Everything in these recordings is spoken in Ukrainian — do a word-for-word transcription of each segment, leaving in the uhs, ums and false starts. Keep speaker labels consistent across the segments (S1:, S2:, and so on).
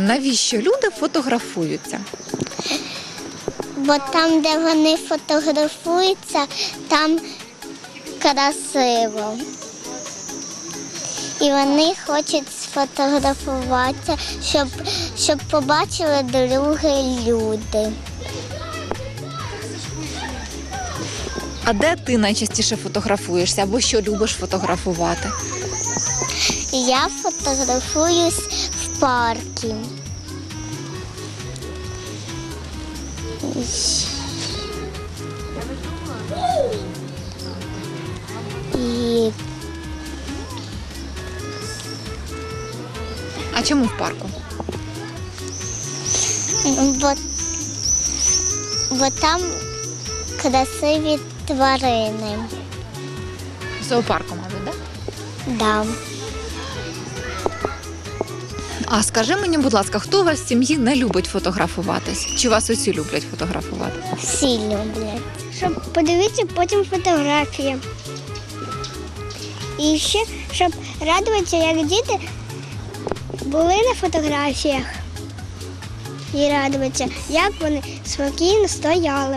S1: Навіщо люди фотографуються?
S2: Бо там, де вони фотографуються, там красиво. І вони хочуть сфотографуватися, щоб, щоб побачили другі люди.
S1: А де ти найчастіше фотографуєшся або що любиш фотографувати?
S2: Я фотографуюсь в парку. І
S1: А чому в парку?
S2: бо, бо там красиві тварини.
S1: В зоопарку, мабуть, так?
S2: Да.
S1: А скажи мені, будь ласка, хто у вас в сім'ї не любить фотографуватись? Чи вас усі люблять фотографувати?
S2: Всі люблять.
S3: Щоб подивитися потім фотографії. І ще, щоб радуватися, як діти були на фотографіях. І радуватися, як вони спокійно стояли.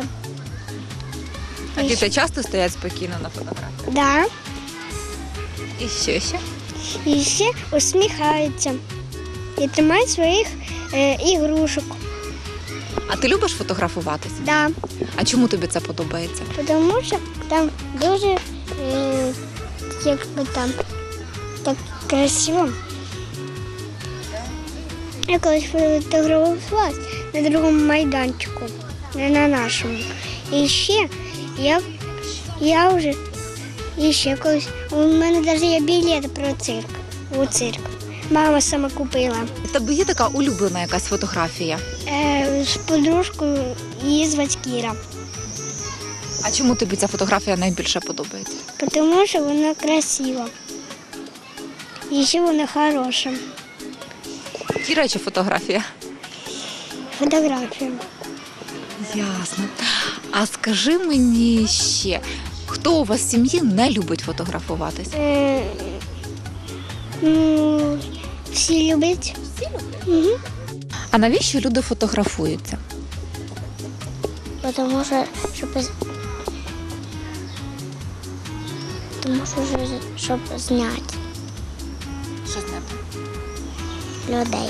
S1: А діти часто стоять спокійно на фотографії?
S3: Да.
S1: І що ще?
S3: І ще усміхаються. І тримають своїх е, ігрушок.
S1: А ти любиш фотографуватись?
S3: Да.
S1: А чому тобі це подобається?
S3: Тому що там дуже е, якби там так красиво. Я колись фотографувалась на другому майданчику, не на нашому. І ще я, я вже і ще колись. У мене навіть є білет про цирк. У цирк. Мама сама купила.
S1: У тебе є така улюблена якась фотографія?
S3: Е, з подружкою її звати Кіра.
S1: А чому тобі ця фотографія найбільше подобається?
S3: Тому що вона красива. І ще вона хороша.
S1: Кіра чи фотографія?
S3: Фотографія.
S1: Ясно. А скажи мені ще, хто у вас в сім'ї не любить фотографуватись?
S3: Е, ну, всі люблять. Всі люблять? Угу.
S1: А навіщо люди фотографуються?
S2: Тому що, щоб, тому що, щоб зняти
S1: Що зняти?
S2: людей.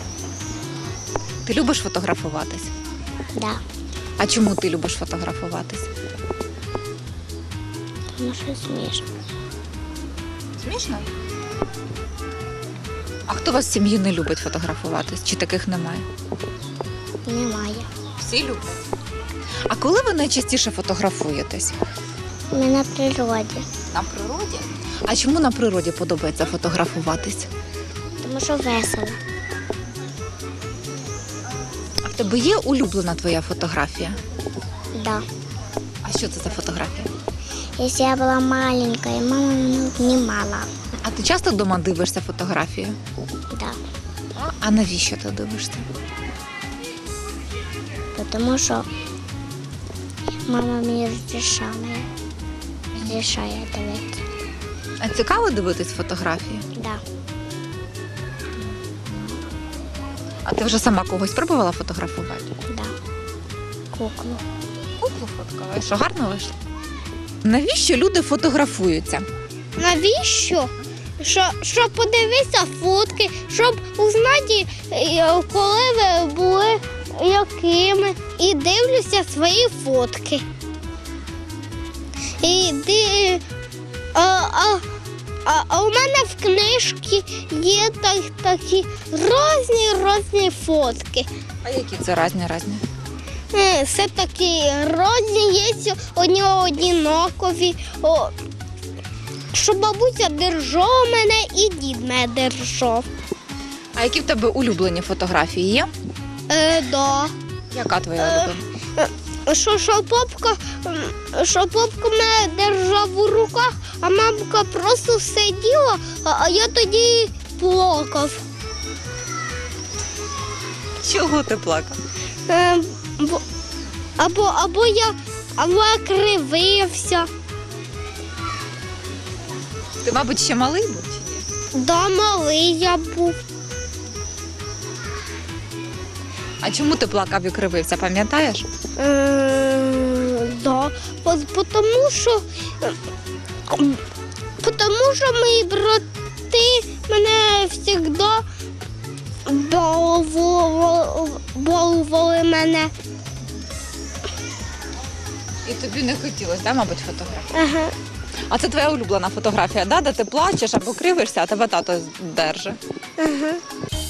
S1: Ти любиш фотографуватись?
S2: Да.
S1: А чому ти любиш фотографуватись?
S2: Тому що смішно.
S1: Смішно? А хто у вас в сім'ї не любить фотографуватись? Чи таких немає?
S2: Немає.
S1: Всі люблять. А коли ви найчастіше фотографуєтесь?
S2: Ми на природі.
S1: На природі? А чому на природі подобається фотографуватись?
S2: Тому що весело.
S1: А в тебе є улюблена твоя фотографія?
S2: Да.
S1: А що це за фотографія?
S2: Якщо я була маленька, і мама мене знімала.
S1: А ти часто вдома дивишся фотографію?
S2: Да.
S1: А навіщо ти дивишся?
S2: Тому що мама мені розрішала. Розрішає дивитися.
S1: А цікаво дивитись фотографії?
S2: Да.
S1: А ти вже сама когось пробувала фотографувати?
S2: Да. Куклу.
S1: Куклу фоткала. Що, гарно вийшло? Навіщо люди фотографуються?
S3: Навіщо? Що, щоб подивитися фотки, щоб узнати, е, коли ви були якими. І дивлюся свої фотки. І ди... а, а, а, а у мене в книжці є так, такі різні різні фотки.
S1: А які це різні різні?
S3: Е, Все такі різні, є одні однакові. О, що бабуся держала мене і дід мене держав.
S1: А які в тебе улюблені фотографії є?
S3: Е, да.
S1: Яка твоя
S3: Е,
S1: улюблена?
S3: Що, що папка, м, що папка мене держав у руках, а мамка просто сиділа, а, а я тоді плакав.
S1: Чого ти плакав?
S3: Е, бо, або, або я або я кривився.
S1: Ти, мабуть, ще малий був чи ні?
S3: Да, малий я був.
S1: А чому ти плакав і кривився, пам'ятаєш?
S3: Е, Да, по- потому що, потому що мої брати мене завжди балували, балували мене.
S1: І тобі не хотілося, да, мабуть, фотографії?
S3: Ага.
S1: А це твоя улюблена фотографія, да? Де ти плачеш або кривишся, а тебе тато держить?
S3: Ага.